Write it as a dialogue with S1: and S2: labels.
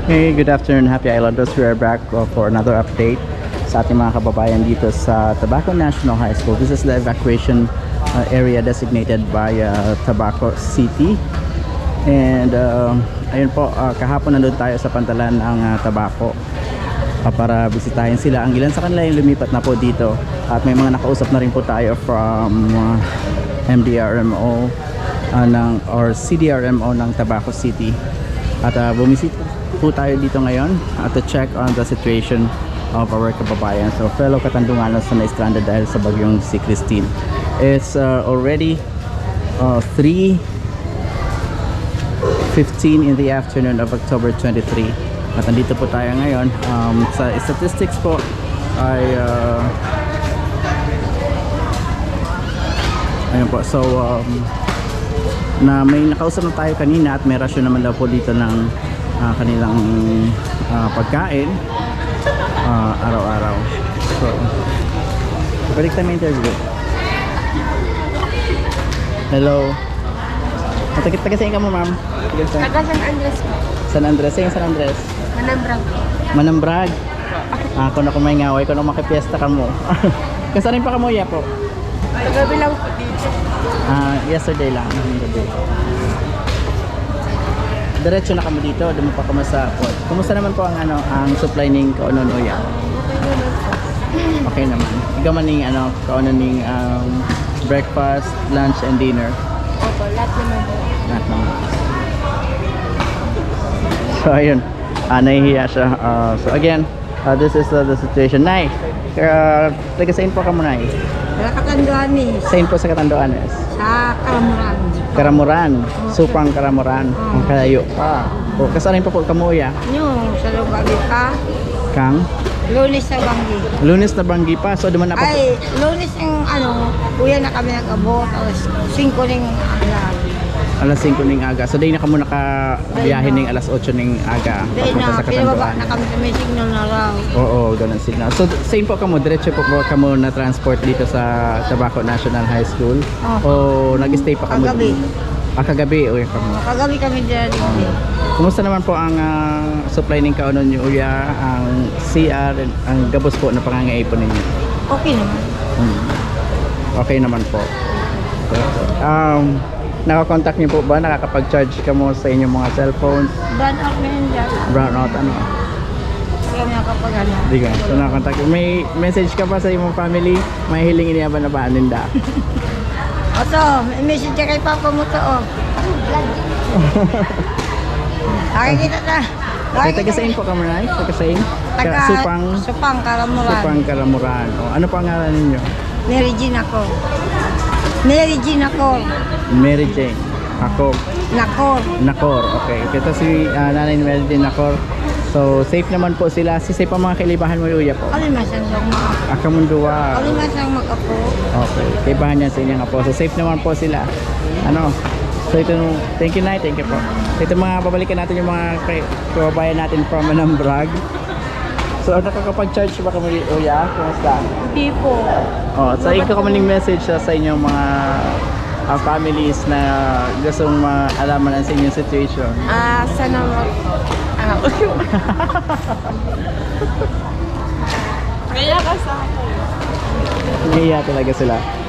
S1: Hey, good afternoon, Happy Islanders. We are back for another update sa ating mga kababayan dito sa Tabaco National High School. This is the evacuation area designated by Tabaco City. And ayun po, kahapon nandun tayo sa pantalan ng Tabaco para bisitahin sila. Ang ilan sa kanila yung lumipat na po dito. At may mga nakausap na rin po tayo from MDRMO or CDRMO ng Tabaco City. At bumisita po tayo dito ngayon to check on the situation of our kababayan. So fellow Katandunganos na na-stranded dahil sa bagyong si Christine. It's already 3:15 in the afternoon of October 23. At nandito po tayo ngayon. Sa statistics po ay ayun po. So na may nakausap na tayo kanina at may rasyon naman daw po dito ng kanilang pagkain araw-araw. So balik tayo may interview. Hello, taga saan ka mo, ma'am?
S2: Taga San Andres po.
S1: San Andres? Saan San Andres?
S2: Manambrag.
S1: Manambrag? Kung ako may ngaway, kung ako makipiesta ka mo. Kasarin pa ka mo, ya po?
S2: Kagabi lang po dito.
S1: Yesterday lang. Diretso na kami dito, dumi pa kami sa port. Kumusta naman po ang ang supply ning kaunon uya? Okay naman. Ikaw man ning kaunon ning breakfast, lunch and dinner.
S2: Opo, lahat naman po.
S1: Lahat naman. So ayun, nahihiya siya. So again, this is the situation. Nay, taga saan po ka mo, Nay?
S2: Sa Katanduanes.
S1: Saan po sa Catanduanes?
S2: Sa Karamuran.
S1: Karamuran, Supang Karamuran. Ang kalayo pa. O, kasarin pa po kamuya?
S2: Yung sa Lugagi pa.
S1: Kang?
S2: Lunes sa Banggi.
S1: Lunes na Banggi pa. So, duman na po.
S2: Ay, lunes yung kuya na kami nag-abot. Tapos 5 ning
S1: Alas 5 ning aga. So, day na kamo nakabiyahe ning alas 8 ning aga.
S2: Dahil
S1: Papunta
S2: na,
S1: sa
S2: pinababa
S1: Catanduanes.
S2: na kami sa may signal na raw.
S1: Oo, ganun signal. So, same po kamo, diretso po kamo na transport dito sa Tabaco National High School? O nag-stay pa kamo?
S2: Kagabi.
S1: Kagabi, uy kamo.
S2: Kagabi kami dyan.
S1: Kumusta naman po ang supply ng kaunon niyo, Uya, ang CR, ang gabos po na pangangaipon ninyo?
S2: Okay naman.
S1: Okay naman po. Nakakontakt niyo po ba? Nakakapag-charge ka mo sa inyong mga cellphones?
S2: Brand out na yun dyan.
S1: Brownout, ano?
S2: Kami nakapag
S1: Di ka. So nakakontakt. May message ka pa sa iyong family? May hilingin niya ba na paaninda?
S2: Oto, may message ka kay Papa mo to, oh. Nakikita na.
S1: Ay, taga-sain po ka mo, Nay? Taga-sain?
S2: Supang Karamuran.
S1: Supang Karamuran. O, ano pa ang ngalan ninyo?
S2: Mary Jean ako. Mary Jean ako.
S1: Mary Jane. Ako.
S2: Nakor.
S1: Nakor. Okay. Ito si Nanay Mary Jane Nakor. So, safe naman po sila. Si safe ang mga kaibahan mo, Uya po?
S2: Kalimasan lang mga.
S1: Akamundua.
S2: Kalimasan mag-apo.
S1: Okay. Kaibahan niya sa inyong apo. So, safe naman po sila. So, ito, thank you, Nay. Thank you po. Ito mga, babalikan natin yung mga kababayan natin from Manambrag. So, nakakapag-charge ba kami, Uya? Kumusta?
S2: Hindi po.
S1: So, ikaw kami ng message sa inyong mga families na gustong maalaman ang sa inyong situation.
S2: Sana Kaya ka sa akin.
S1: Nahiya talaga sila.